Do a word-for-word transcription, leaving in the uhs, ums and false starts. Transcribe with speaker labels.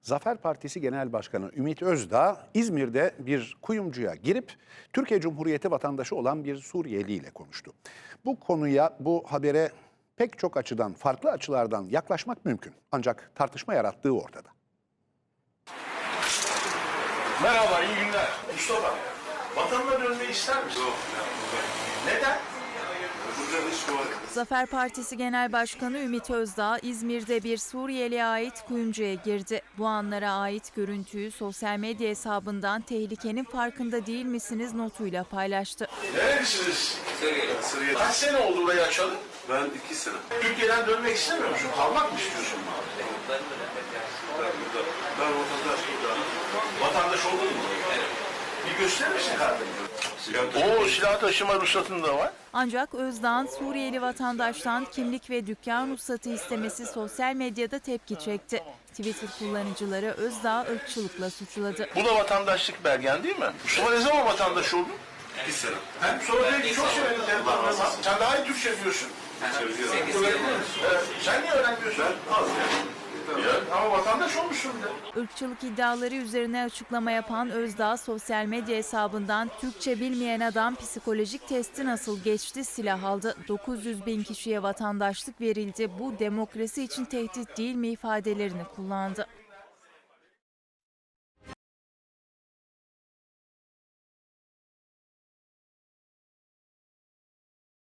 Speaker 1: Zafer Partisi Genel Başkanı Ümit Özdağ İzmir'de bir kuyumcuya girip Türkiye Cumhuriyeti vatandaşı olan bir Suriyeli ile konuştu. Bu konuya, bu habere pek çok açıdan, farklı açılardan yaklaşmak mümkün. Ancak tartışma yarattığı ortada.
Speaker 2: Merhaba, iyi günler. Mustafa, vatanına dönmeyi ister misin? Yok. Neden?
Speaker 3: Zafer Partisi Genel Başkanı Ümit Özdağ, İzmir'de bir Suriyeli'ye ait kuyumcuya girdi. Bu anlara ait görüntüyü sosyal medya hesabından "Tehlikenin farkında değil misiniz?" notuyla paylaştı.
Speaker 2: Nerelisiniz? Suriye. Kaç sene oldu burayı açalım?
Speaker 4: Ben iki sene.
Speaker 2: Türkiye'den dönmek istemiyor musun? Kalmak mı istiyorsun?
Speaker 4: Ben, ben vatandaş burada.
Speaker 2: Vatandaş oldun mu? Evet. Bir gösterir misin kardeşim? Oo, silah taşıma ruhsatın da var.
Speaker 3: Ancak Özdağ'ın Suriyeli vatandaştan kimlik ve dükkan ruhsatı istemesi sosyal medyada tepki çekti. Twitter kullanıcıları Özdağ'ı ırkçılıkla suçladı.
Speaker 2: Bu da vatandaşlık belgen değil mi? Mustafa ne zaman vatandaş oldun?
Speaker 4: İki sene.
Speaker 2: Hem sonra belki çok sevindim. Sen daha iyi Türkçe biliyorsun. Evet. Sen niye öğrenmiyorsun?
Speaker 4: Az yani.
Speaker 2: Ya, ama vatandaş olmuşsun bir de.
Speaker 3: Irkçılık iddiaları üzerine açıklama yapan Özdağ, sosyal medya hesabından "Türkçe bilmeyen adam psikolojik testi nasıl geçti, silah aldı. dokuz yüz bin kişiye vatandaşlık verildi. Bu demokrasi için tehdit değil mi?" ifadelerini kullandı.